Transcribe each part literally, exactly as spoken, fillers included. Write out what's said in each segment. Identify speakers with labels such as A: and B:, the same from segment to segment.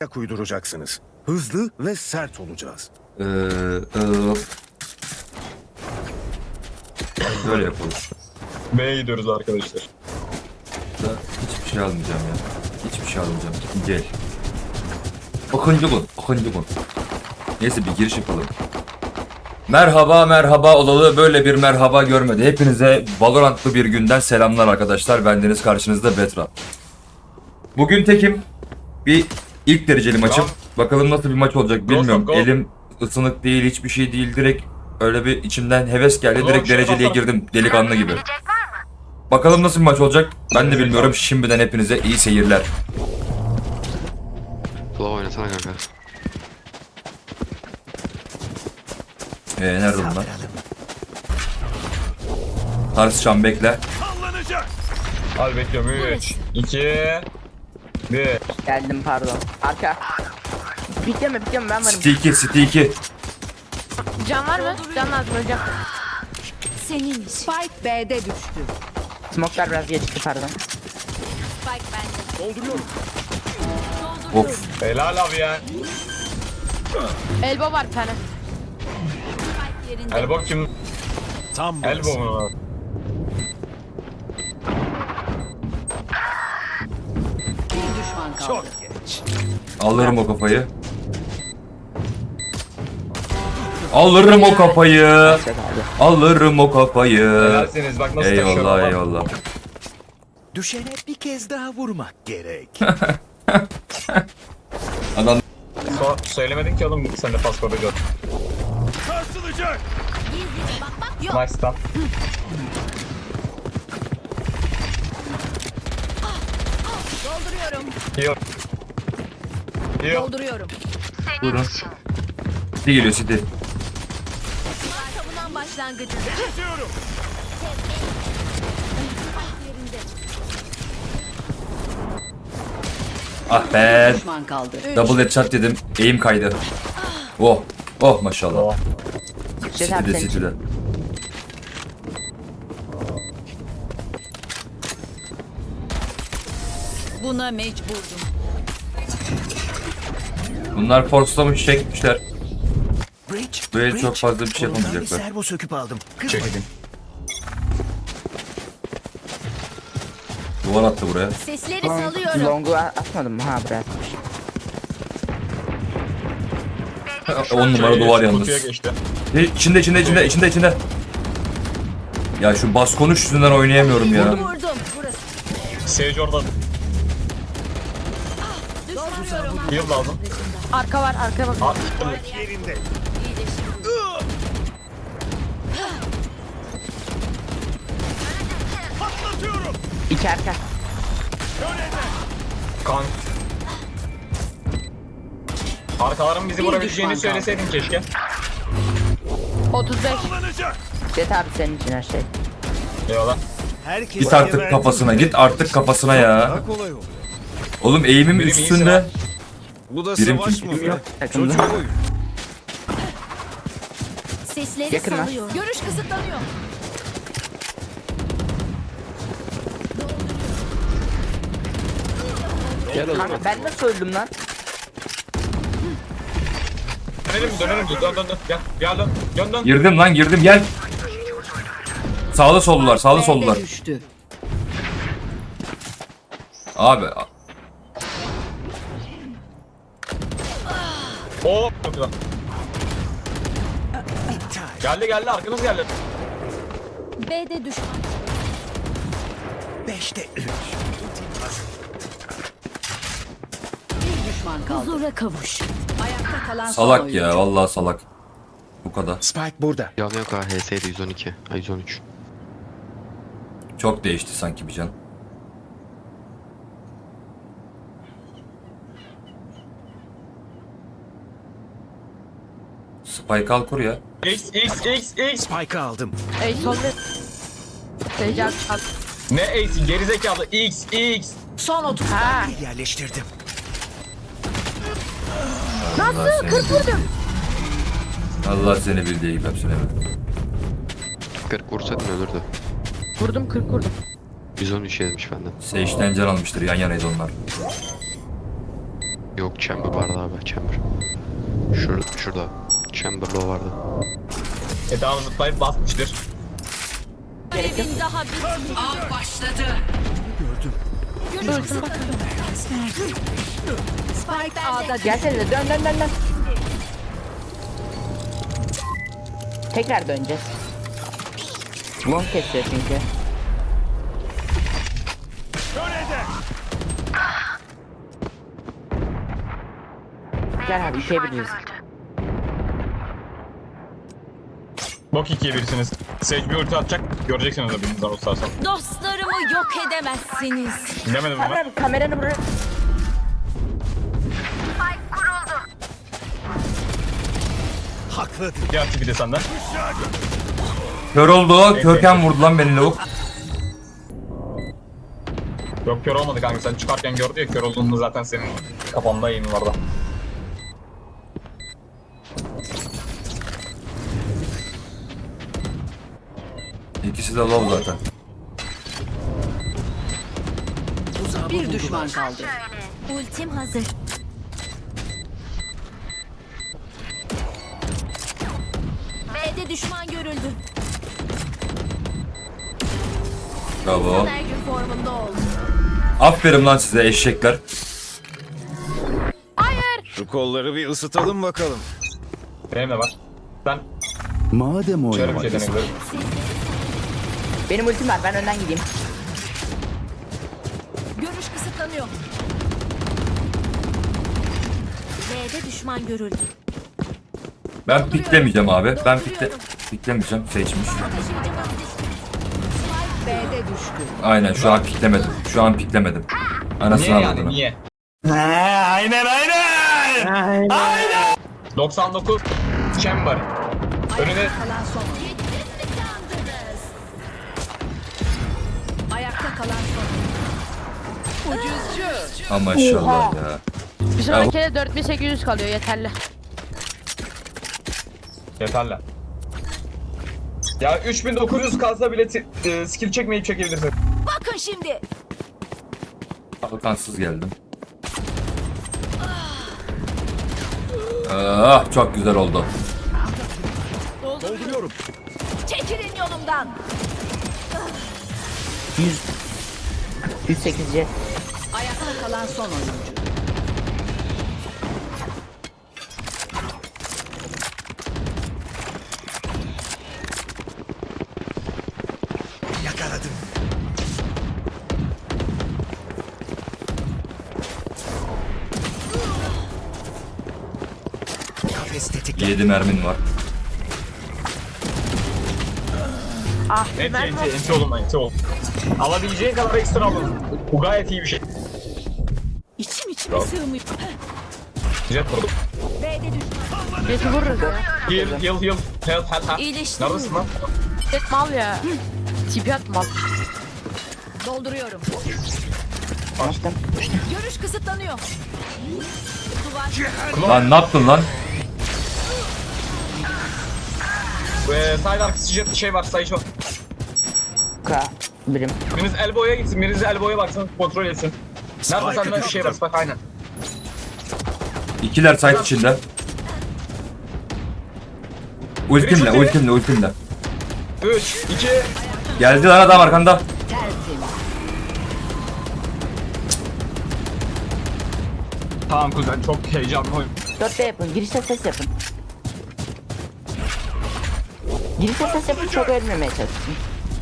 A: uyduracaksınız. Hızlı ve sert olacağız.
B: Ee, e, böyle yapalım.
C: B'ye gidiyoruz arkadaşlar.
B: Da hiçbir şey almayacağım ya. Hiçbir şey almayacağım. Gel. Okuncu gun. Okuncu gun. Neyse bir giriş yapalım. Merhaba merhaba olalı böyle bir merhaba görmedi. Hepinize Valorant'lı bir günden selamlar arkadaşlar. Bendeniz karşınızda Betra. Bugün tekim. Bir ilk dereceli maçım. Bakalım nasıl bir maç olacak bilmiyorum.
C: Go, go.
B: Elim ısınık değil, hiçbir şey değil. Direkt öyle bir içimden heves geldi. Direkt dereceliye girdim delikanlı gibi. Bakalım nasıl bir maç olacak ben de bilmiyorum. Şimdiden hepinize iyi seyirler.
D: Kulağı oynasana kanka.
B: Ee, nerede bunlar? Tartışacağım bekle.
C: Hadi bekliyorum. üç, iki, bir.
E: Geldim pardon. Arka. Bitleme bitleme ben varım.
B: City iki, City iki.
F: Can var mı? Can lazım hocam.
G: Senin Spike B'de düştü.
E: Smoke'lar biraz geçti pardon.
G: Spike bende.
B: Of.
C: Helal abi ya.
F: Elbow var bir tane.
G: Spike yerinde.
C: Elbow kim?
A: Tam
C: Elbow mu?
G: Bir düşman kaldı.
A: Çok geç.
B: Alırım o kafayı. Alırım o kafayı.
E: Set abi.
B: Alırım o kafayı.
C: Helalsiniz bak nasıl taşıyorum.
B: Eyvallah
C: bak.
B: eyvallah.
A: Düşene bir kez daha vurmak gerek.
B: Adam
C: So söylemedin ki oğlum sen de pasportu gör.
A: Sarsılacak.
G: Gizlice bakmak yok.
C: Nice stop.
G: Dolduruyorum.
C: Heal. Heal.
G: Dolduruyorum.
B: buyurun. City geliyor City.
G: Savunan başlangıcı.
A: Kesiyorum.
G: Yerinde.
B: Ah be.
G: Düşman kaldı.
B: Double headshot dedim. Eğim kaydı. Oh. Oh maşallah.
C: Oh.
E: Set abi
B: City'de
E: senin için.
B: City'de.
G: Buna mecburdum.
B: Bunlar forslamış çekmişler.
A: Bridge.
B: Böyle
A: Bridge.
B: çok fazla bir şey
A: Kolumdan
B: yapamayacaklar.
A: Bir servo söküp aldım.
C: Çek.
A: Kırmadım.
B: Duvar attı buraya.
G: Sesleri
E: Long,
G: salıyorum.
E: long'u a- atmadım mı? Ha buraya atmış.
B: on numara duvar yalnız.
C: Kutuya geçti.
B: E, İçinde içinde içinde içinde içinde. Ya şu bas konuş yüzünden oynayamıyorum ya.
G: Vurdum. Burası.
C: Sage orada.
G: Düşürüyorum.
C: Heal lazım.
F: Arka var, arka bak.
C: Aa,
A: Yerinde. Patlatıyorum.
E: İki arka.
C: kan. Arkaların bizi
G: Bir
C: vurabileceğini
G: düşman kaldı.
C: söyleseydin keşke.
F: otuz beş.
A: Kullanacak.
E: Set abi senin için her şey.
C: Eyvallah.
A: Herkes
B: Git artık kafasına git artık kafasına ya.
A: Daha kolay oluyor.
B: Oğlum eğimim
C: Birim iyisin
B: üstünde.
C: ha.
A: Bu da
B: Birim
A: savaş
B: kim?
A: mı?
B: Birim
A: be?
E: Takımda.
A: Çocuk oyun.
G: Sesleri
E: Yakın lan.
G: salıyorum. Görüş kısıtlanıyor.
E: Kanka ben nasıl öldüm lan?
C: Dönelim dönelim dön dön dön. Gel gel dön. Dön dön.
B: Girdim lan girdim gel. Sağlı sollular sağlı
G: B'de
B: sollular.
G: düştü.
B: Abi
C: Oo çok güzel. Geldi geldi arkanız geldi.
G: B'de düşman.
A: Beşte üç.
G: Bir düşman kaldı. Huzura kavuş. Ayakta kalan son
B: salak
G: oyuncu.
B: ya vallahi salak. Bu kadar.
A: Spike burada.
D: Yan yok ha H S'ydi yüz on iki. Ay yüz on üç.
B: Çok değişti sanki bir can. Spike al kur ya.
C: X X X X.
A: Spike'ı aldım.
F: Ey sol bir. Seyirci al. al.
C: Ne X'i gerizekalı X X.
G: Son otuz.
E: Ha.
A: Yerleştirdim.
B: Nasıl? kırk vurdum. Allah seni bildiği gibi hepsine.
D: kırk vursaydın ölürdü.
F: Vurdum kırk vurdum.
D: yüz on üç yemiş benden.
B: Sage'den can almıştır yan yanaydı onlar.
D: Yok chamber vardı abi chamber. Şurada, şurada. Chamber low vardı.
C: E daha zıplayıp basmıştır.
G: Görevin daha bitmedi. Av başladı. Görüş kısıtlanıyor. Spike A'da
E: Gelsene dön dön dön dön. Tekrar döneceğiz. Long kesiyor çünkü. Gel abi itebiliriz.
C: Bok ikiye birsiniz. Sage bir ulti atacak. Göreceksiniz de birinizden o sağ sol.
G: dostlarımı yok edemezsiniz.
C: Bilemedim ama.
E: Abi kameranı buraya...
A: Haklıdır.
C: Diğer tipi de senden.
B: Kör oldu. Körken vurdu lan beni lavuk.
C: Yok kör olmadı kanka, sen çıkarken gördü ya, kör olduğunda zaten senin kafanda yayın vardı.
B: İkisi de low zaten.
G: Bir düşman kaldı. Ultim hazır. B'de düşman görüldü.
B: Bravo.
G: Her gün formunda ol.
B: Aferin lan size eşekler.
A: Şu kolları bir ısıtalım bakalım.
C: Benim de var. Sen
A: Madem
C: şöyle bir şey deneyebilirim.
E: Benim ultim var, ben önden gideyim.
G: Görüş kısıtlanıyor. B'de düşman görüldü.
B: Ben piklemeyeceğim abi. Ben pikle piklemeyeceğim. Seçmiş.
G: B'de düştü.
B: Aynen şu an piklemedim. Şu an piklemedim. Anasını
C: Niye yani
B: avradını.
C: niye?
A: Aynen aynen.
C: doksan dokuz chamber. Önüne
G: Kalan son. Ayakta kalan son. Ucuzcu.
B: Ama maşallah ya.
F: Bir sonrakine dört bin sekiz yüz kalıyor yeterli.
C: yeterli. Ya üç bin dokuz yüz kalsa bile ti- e, skill çekmeyip çekebilirsin.
G: Bakın şimdi.
B: Kalkansız geldim. Ah çok güzel oldu.
A: Dolduruyorum.
G: Çekilin yolumdan.
E: yüz. yüz sekiz C.
G: Ayakta kalan son oyuncu.
A: Yakaladım. Kafes tetikle.
B: yedi mermin var.
F: Ah
C: Enti
F: ben
C: enti enti olun enti ol. Alabileceğin kadar ekstra alın. Bu gayet iyi bir şey.
G: İçim içime sığmıyor.
C: Jet vurdum.
G: B'de düşman.
F: Jet'i vururuz ya.
C: Heal heal heal. Heal heal heal.
G: İyileştim.
C: Neredesin lan?
F: Jet mal ya. Tipi at mal.
G: Dolduruyorum.
E: Açtım.
G: Görüş kısıtlanıyor. Duvar.
B: Lan ne yaptın lan?
C: Ee, side arkası jet şey var, sayı şu.
E: K. Birim.
C: Biriniz elbow'ya gitsin, biriniz elbow'ya baksın, kontrol etsin. Nerede sende bir şey var, bak aynen.
B: İkiler site içinde. Ultimle ultimle ultimle.
C: üç, iki,
B: Geldi lan adam arkanda.
C: tamam kuzen, çok heyecanlı oyun.
E: dörtte yapın. Girişte ses yapın. Girişte ses yapın, çok ölmemeye çalışın.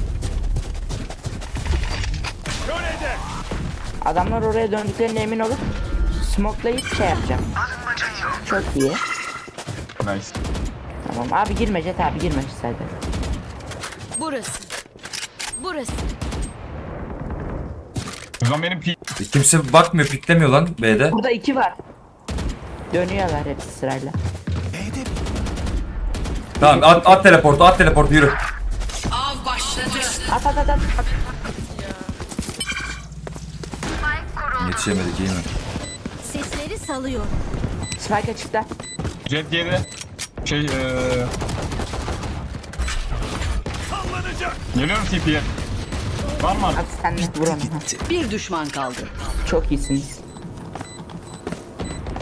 E: Adamlar oraya döndüklerine emin olup smokelayıp şey yapacağım. Çok iyi.
C: Nice.
E: Tamam abi girme Jet abi girme zaten.
G: Burası. Burası.
C: Kuzen benim pi...
B: E, Kimse bakmıyor piklemiyor lan B'de.
E: Burada iki var. Dönüyorlar hepsi sırayla.
A: B'de
B: Tamam at, at teleportu at teleportu yürü.
E: At at at at.
B: Yetişemedik iyi mi?
G: Sesleri salıyor.
E: Spike açıkta.
C: Jet geride. Şey eee... Geliyorum T P'ye. Var mı?
E: At sen de vur onu. Ha.
G: Bir düşman kaldı.
E: Çok iyisiniz.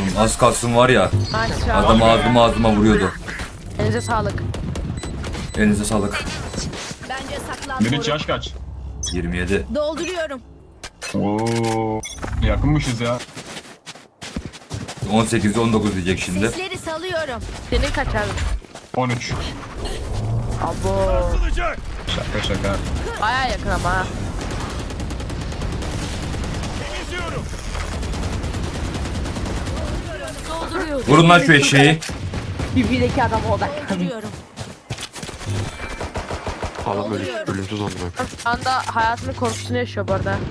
B: Oğlum az kalsın var ya.
F: Nice
B: Adam
F: round.
B: ağzıma ağzıma vuruyordu.
F: Elinize sağlık.
B: Elinize sağlık.
G: Bence saklan.
C: Meriç yaş kaç?
B: yirmi yedi.
G: Dolduruyorum.
C: Oo. Yakınmışız ya.
B: on sekiz on dokuz diyecek şimdi.
G: Sesleri salıyorum.
F: Senin kaç abi?
C: on üç.
E: Abo.
C: Şaka şaka.
F: Baya yakın ama ha.
G: Dolduruyorum.
B: Vurun lan şu eşeği.
E: B B'deki adama odaklan.
G: Dolduruyorum.
D: Adam ölüm, ölümsüz amına.
F: Şu anda hayatının korkusunu yaşıyor bu arada.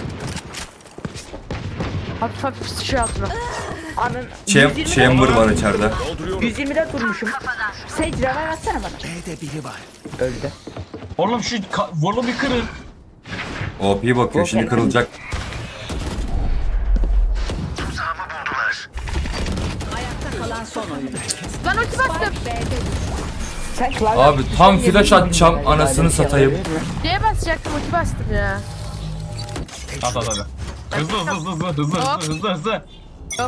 F: Hafif hafif sıçıyor altına.
E: Anın
B: Cham
E: yüz yirmi
B: chamber var içeride.
E: yüz yirmide durmuşum. Sage revive atsana bana.
A: B'de biri var.
E: Öldü.
C: Oğlum şu ka- vurlu bir kırın.
B: O P bakıyor şimdi kırılacak.
G: Ayakta kalan son oyuncu.
F: Ben ulti bastım.
E: Sen klavye
B: Abi
E: tuşuna
B: tam
E: niye
B: flash
E: basmadın
B: atacağım,
E: acaba?
B: anasını
E: Öyle bir şey
B: satayım.
E: olabilir mi?
F: Neye basacaktım ulti bastım ya.
C: At at at. Hızlı hızlı hızlı hızlı hızlı
F: Hop.
C: hızlı hızlı hızlı.
F: Yok.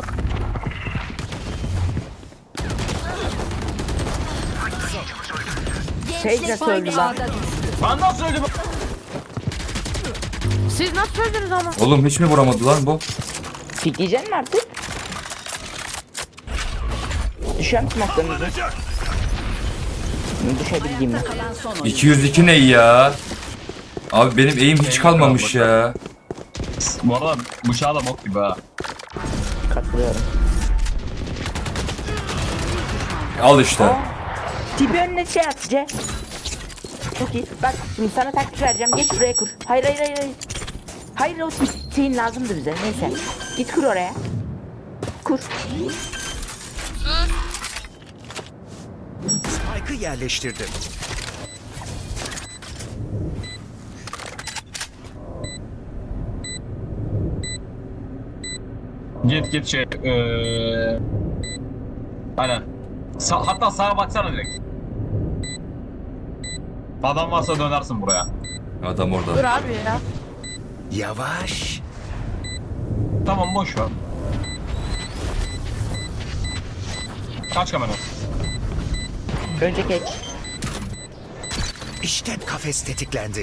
E: Sage nasıl öldü lan?
C: Ben nasıl öldüm?
F: Siz nasıl öldünüz ama?
B: Oğlum hiç mi vuramadı lan bu?
E: Pikleyeceksin mi artık? Düşüyorum smoke'larınızı. Düşebildiğim mi?
G: Kalan son oyuncu.
B: iki yüz iki ne ya? Abi benim eğim hiç kalmamış ya.
C: Bu arada bıçağı da bok gibi ha.
E: Katılıyorum.
B: Al işte.
E: Tipi önüne şey at C. Çok iyi. Bak şimdi sana taktik vereceğim. Geç buraya kur. Hayır hayır hayır. Hayır, hayır o senin lazımdı bize. Neyse. Git kur oraya. Kur.
A: Spike'ı yerleştirdim.
C: Git git şey. Eee... Aynen. Sa- hatta sağa baksana direkt. Adam varsa dönersin buraya.
B: Adam
F: Dur
B: orada.
F: abi ya.
A: Yavaş.
C: Tamam boş ver. Kaç kamera?
E: Önce geç.
A: İşte kafes tetiklendi.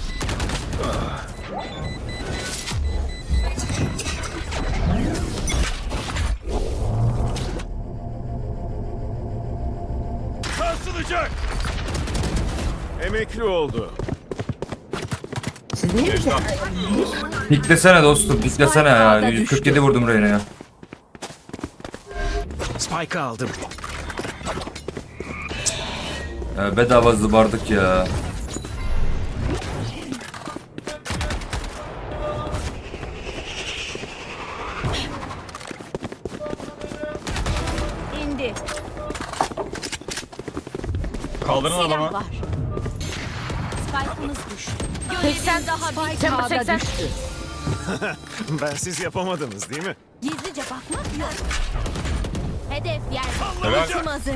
H: Sarsılacak. Emekli oldu.
E: Siz niye bize?
C: Geçti.
B: Piklesene dostum, piklesene ya. yüz kırk yedi vurdum Reyna ya.
A: Spike'ı aldım.
B: ya bedava zıbardık ya.
G: İndi.
C: Kaldırın
G: Silah
C: adamı.
G: var. Spike'ımız düştü.
F: seksen
G: daha bir
F: Chamber seksen.
H: Ben siz yapamadınız değil mi?
G: Gizlice bakmak yok. Hedef yerde.
C: Evet.
G: Ultim hazır.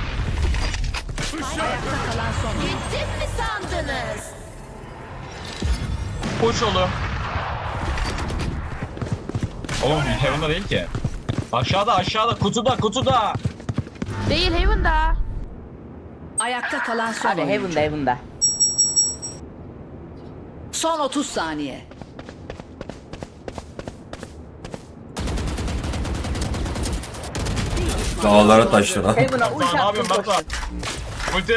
G: Ayakta kalan son oyuncu. Gittim mi sandınız?
C: Uç oğlum. Oğlum Heaven'da değil ki. Aşağıda aşağıda kutuda kutuda.
F: Değil Haven'da.
G: Ayakta kalan son
E: Abi
G: oyuncu.
E: Heaven'da Heaven'da.
G: Son otuz saniye.
B: Dağlara taşlara.
E: Heaven'a
C: Batuhan
E: uç
C: ne
E: attım
C: yapıyorsun Batuhan?
E: koştum.
C: Ulti.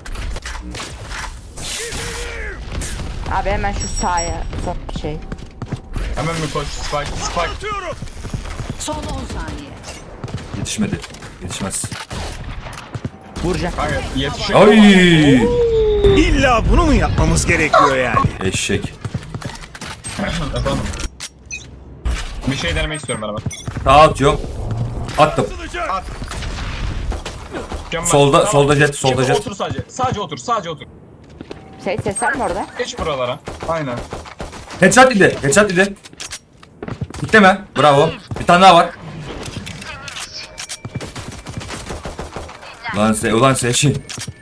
E: Abi hemen şu sağa son şey.
C: Hemen mi koş? Spike spike.
H: Atıyorum.
G: Son on saniye.
B: Yetişmedi. Yetişmez.
E: Vuracağım.
C: Kanka yetişiyor.
B: Ay!
H: İlla bunu mu yapmamız gerekiyor yani?
B: Eşek.
C: Efendim. Bir şey denemek istiyorum ben hemen.
B: Sağa atıyorum. Attım.
H: Sarsılacak.
C: Mükemmel.
B: Solda- solda jet, solda
C: Şimdi
B: jet.
C: Otur sadece. Sadece otur. Sadece otur.
E: Şey ses var mı orada?
C: Geç buralara. Aynen.
B: Headshot idi. Headshot idi. Bitleme. Bravo. Bir tane daha var. Lan se ulan seçin.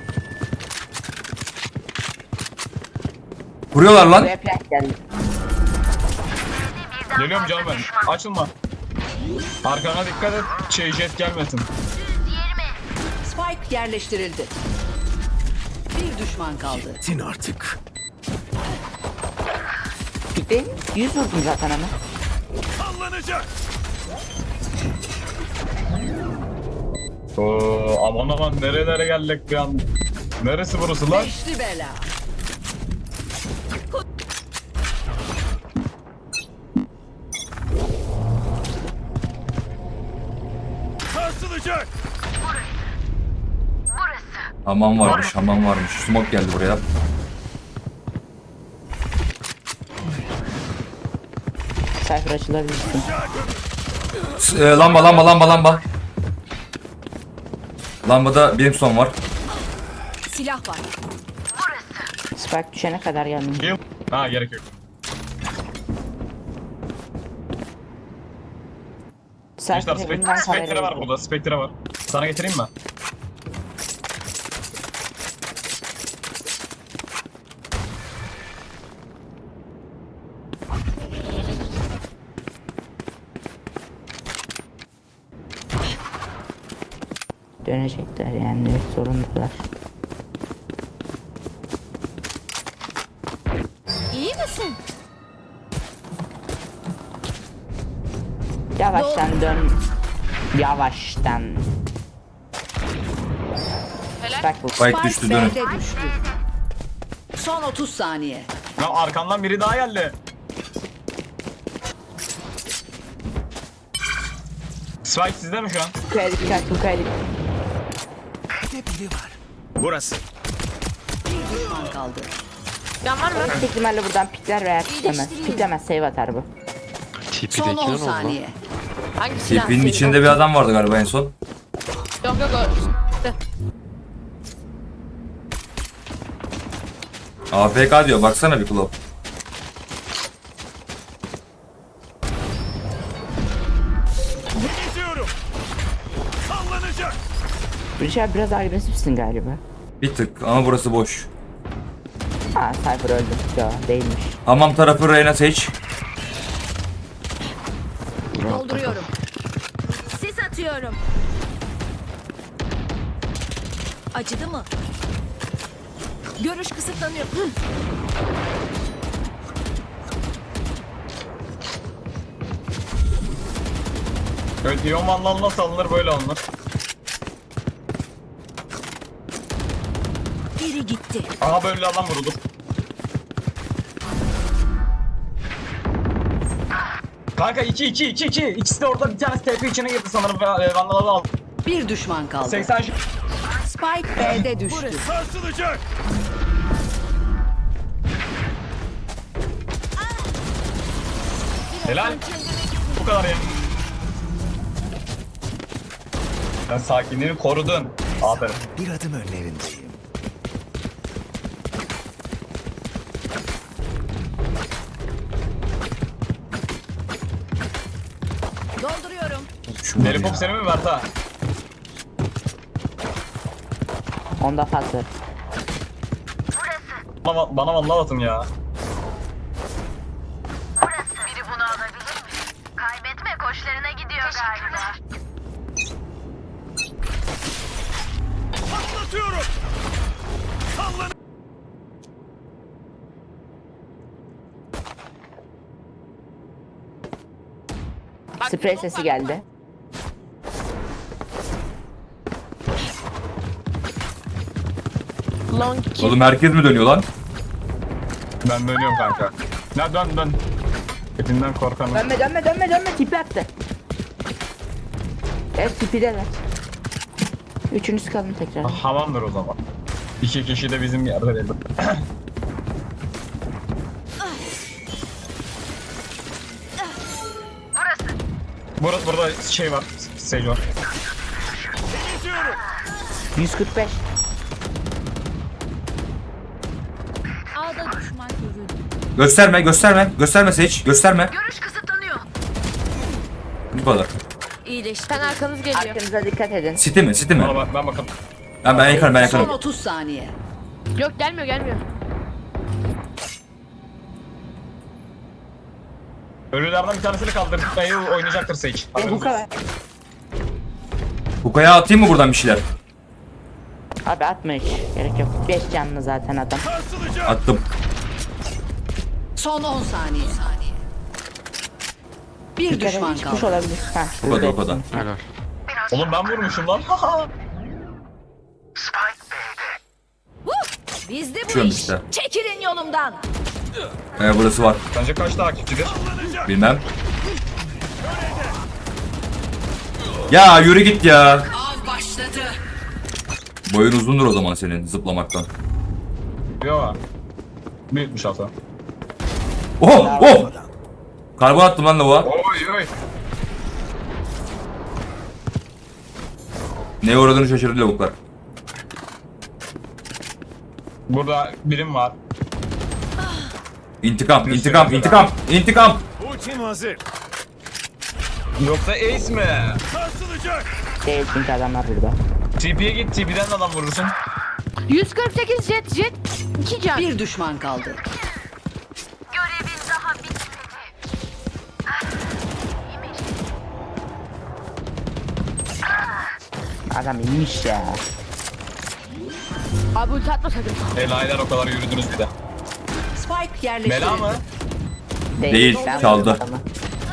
B: Vuruyorlar lan.
E: Buraya plan geldi.
C: Geliyorum canım ben. Açılma. Arkana dikkat et. Şey jet gelmesin.
G: Spike yerleştirildi. Bir düşman kaldı.
A: Tin artık.
E: Gittin. Yüz vurdum zaten ama.
H: Sallanacak.
C: Oo, aman aman nerelere geldik bir an. Neresi burası lan?
G: Beşli bela.
H: Sarsılacak.
B: Hamam varmış, hamam varmış. Smoke geldi buraya.
E: Cypher açılabilirsin.
B: S- e, lamba, lamba, lamba, lamba. Lambada benim son var.
G: Silah var.
E: Spike düşene kadar geldim.
C: Heal. Ha gerek yok.
E: Cypher
C: İşte
E: Heaven'dan
C: Spectre, Spectre var
E: kamerayı.
C: burada. Spectre var. Sana getireyim mi?
E: Dönecekler yani zorundalar.
F: İyi misin?
E: Yavaştan dön. Yavaştan. Spike bu.
B: Spike düştü, dönün.
G: B'de düştü. Son otuz saniye.
C: Ya arkamdan biri daha geldi. Spike sizde mi şu an?
E: Kaydık dikkat bu kaydık.
A: Bir de biri var.
H: Burası.
G: Bir düşman kaldı.
F: Can var mı?
E: Büyük ihtimalle buradan pikler veya piklemez. Piklemez save atar bu.
G: Son
D: T P'deki
G: on
D: ne oldu lan?
G: saniye.
F: Hangi silah?
B: Tipinin
F: Senin
B: içinde bir adam vardı galiba en son.
F: Yok yok yok. İşte.
B: A F K diyor, baksana bir Klop.
H: Geziyorum. Sallanacak.
E: Richard biraz agresifsin galiba.
B: Bir tık ama burası boş.
E: Ha Cypher öldü. Yo değilmiş.
B: Hamam tarafı Reyna seç.
G: Dolduruyorum.
F: Sis atıyorum.
G: Acıdı mı?
F: Görüş kısıtlanıyor.
C: Evet, Ion Vandal nasıl alınır böyle alınır.
G: Biri gitti.
C: Aha böyle adam vurulur. Kanka iki iki iki iki. İkisi de orada, bir tanesi T P içine girdi sanırım ve e, Vandal'ı aldı.
G: Bir düşman kaldı.
C: seksen ş-
G: Spike B'de düştü.
H: Sarsılacak.
C: Helal. Bu kadar ya. Sen sakinliğini korudun. Aferin.
A: Bir adım önlerindeyim.
G: Dolduruyorum.
B: Şunları
C: Deli
B: ya.
C: Pop seni mi verdi ha?
E: Onda fazla.
C: Bana, bana vallahi atın ya.
I: Biri bunu alabilir mi? Kaybetme koşlarına gidiyor galiba.
H: Patlatıyorum. Sallan.
E: Sprey sesi geldi.
F: Long kill.
B: Oğlum herkes mi dönüyor lan?
C: Ben dönüyorum kanka. Ya dön dön. Hepimden korkanım.
E: Dönme dönme dönme dönme tipi attı. Evet tipideler. Üçünüz kalın tekrar.
C: Hamamdır o zaman. İki kişi de bizim yerde değil. Burası. Burada şey var. Sage var.
H: Geziyorum.
E: yüz kırk beş.
G: A'da düşman görüldü.
B: Gösterme, gösterme, gösterme seç, gösterme.
I: Görüş kısıtlanıyor.
B: Bu kadar.
F: Sen arkanız geliyor.
E: Arkanıza dikkat edin.
B: City mi, City mi?
C: Bana bak, ben bakalım.
B: Ben, ben yakarım, ben
G: Son
B: yakarım.
G: otuz saniye.
F: Yok gelmiyor gelmiyor.
C: Ölülerden bir tanesini kaldırdık. Dayı oynayacaktır Sage.
E: E, bu kadar.
B: Hukaya atayım mı buradan bir şeyler?
E: Abi atma hiç. Gerek yok. beş canlı zaten adam.
B: Attım.
G: Son on saniye. Bir
E: Bir kere
G: düşman
E: çıkmış
G: kaldı.
E: olabilir. Ha,
B: O kadar o kadar.
D: Helal.
C: Oğlum ben vurmuşum lan.
F: Bizde bu
B: Çıkıyorum
F: iş.
B: işte.
F: Çekilin yolumdan.
B: Ee, burası var.
C: Bence kaç takipçidir?
B: Bilmem. Ya yürü git ya.
G: Av başladı.
B: Boyun uzundur o zaman senin zıplamaktan.
C: Yok. Büyütmüş hata.
B: Oh oh. Karbon attım lan lavuğa.
C: Oy oy.
B: Neye uğradığını şaşırdı lavuklar.
C: Burada birim var.
B: İntikam, intikam, intikam, intikam.
H: Ultim hazır.
C: Yoksa Ace mi?
H: Sarsılacak.
E: Değil çünkü adamlar burada.
C: T P'ye git, T P'den adam vurursun.
F: yüz kırk sekiz jet jet. iki can.
G: Bir düşman kaldı.
I: Görevin daha bitmedi.
E: Adam inmiş ya.
F: Abi ulti atma sakın.
C: Helaller o kadar yürüdünüz bir de.
G: Spike yerleştirildi.
C: Bela mı?
B: Değil,
E: Ben
B: çaldı.
E: vurdum adamı.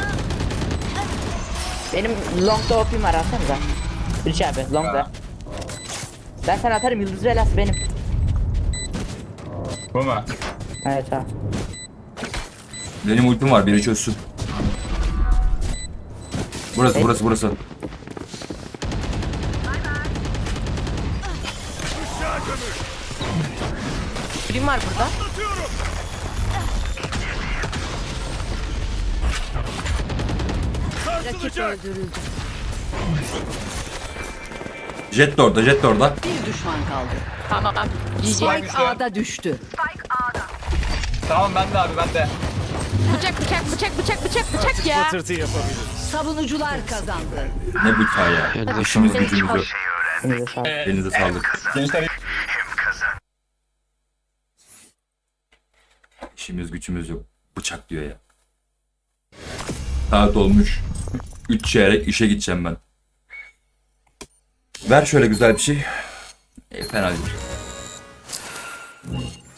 E: Benim longda O P'm var atsanıza. Üç abi longda. Ben sana atarım yıldız velası benim.
C: Bu mu?
E: Evet abi.
B: Benim ultim var, biri çözsün. Burası, burası, burası.
F: Birim var burada. Rakip öldürüldü.
B: Jet de orada, jet de orada.
G: Bir düşman kaldı.
F: Tamam.
G: Spike
C: düştü.
G: A'da düştü.
C: Tamam ben de abi ben de.
F: Bıçak bıçak bıçak bıçak bıçak bıçak ya.
H: Patırtı yapabiliriz.
G: Savunucular kazandı.
B: Ne bu hikaye?
D: Elinize
B: İşimiz
D: sağlık.
B: gücümüz yok.
E: Elinize sağlık.
B: Elinize sağlık.
C: Gençler
B: İşimiz gücümüz yok. Bıçak diyor ya. Saat olmuş. Üç çeyrek işe gideceğim ben. Ver şöyle güzel bir şey. E, fena değil.